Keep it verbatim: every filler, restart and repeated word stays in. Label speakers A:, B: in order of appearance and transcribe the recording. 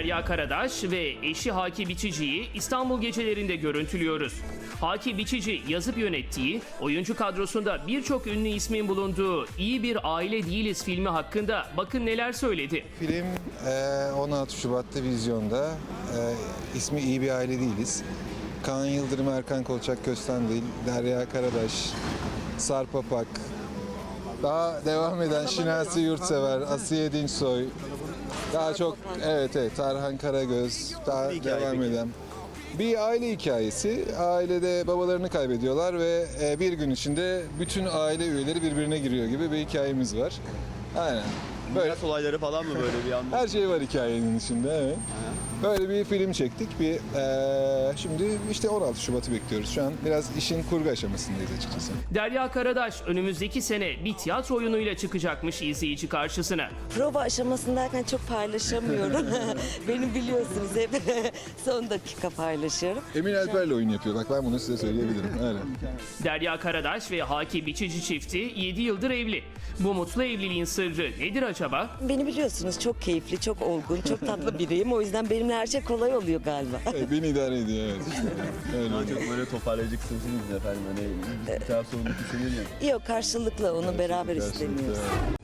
A: Derya Karadaş ve eşi Haki Biçici'yi İstanbul gecelerinde görüntülüyoruz. Haki Biçici yazıp yönettiği, oyuncu kadrosunda birçok ünlü ismin bulunduğu İyi Bir Aile Değiliz filmi hakkında bakın neler söyledi.
B: Film e, on altı Şubat'ta vizyonda. E, ismi İyi Bir Aile Değiliz. Kaan Yıldırım, Erkan Kolçak Köstendil, Derya Karadaş, Sarp Apak, daha devam eden Şinasi Yurtsever, Asiye Dinçsoy, daha çok evet evet Tarhan Karagöz, daha devam eden. Bir aile hikayesi. Ailede babalarını kaybediyorlar ve e, bir gün içinde bütün aile üyeleri birbirine giriyor gibi bir hikayemiz var. Aynen. Böyle
C: Miras olayları falan mı böyle bir anda?
B: her şey var hikayenin içinde. Evet. Böyle bir film çektik. Bir eee, şimdi işte on altı Şubat'ı bekliyoruz. Şu an biraz işin kurgu aşamasındayız açıkçası.
A: Derya Karadaş önümüzdeki sene bir tiyatro oyunuyla çıkacakmış izleyici karşısına.
D: Prova aşamasındayken çok paylaşamıyorum. Benim biliyorsunuz hep son dakika paylaşıyorum.
B: Emin Alper'le oyun yapıyor. Bak ben bunu size söyleyebilirim. Öyle.
A: Derya Karadaş ve Haki Biçici çifti yedi yıldır evli. Bu mutlu evliliğin sırrı nedir acaba?
D: Beni biliyorsunuz çok keyifli, çok olgun, çok tatlı biriyim. O yüzden benimle her şey kolay oluyor galiba.
B: Evet, beni idare ediyor. Evet. Öyle.
C: Daha çok böyle toparlayacaksınız efendim. Hani bir taraf sorumluluk hissediyor ya.
D: Yok karşılıklı onu beraber
B: Gerçekten.
D: istemiyoruz.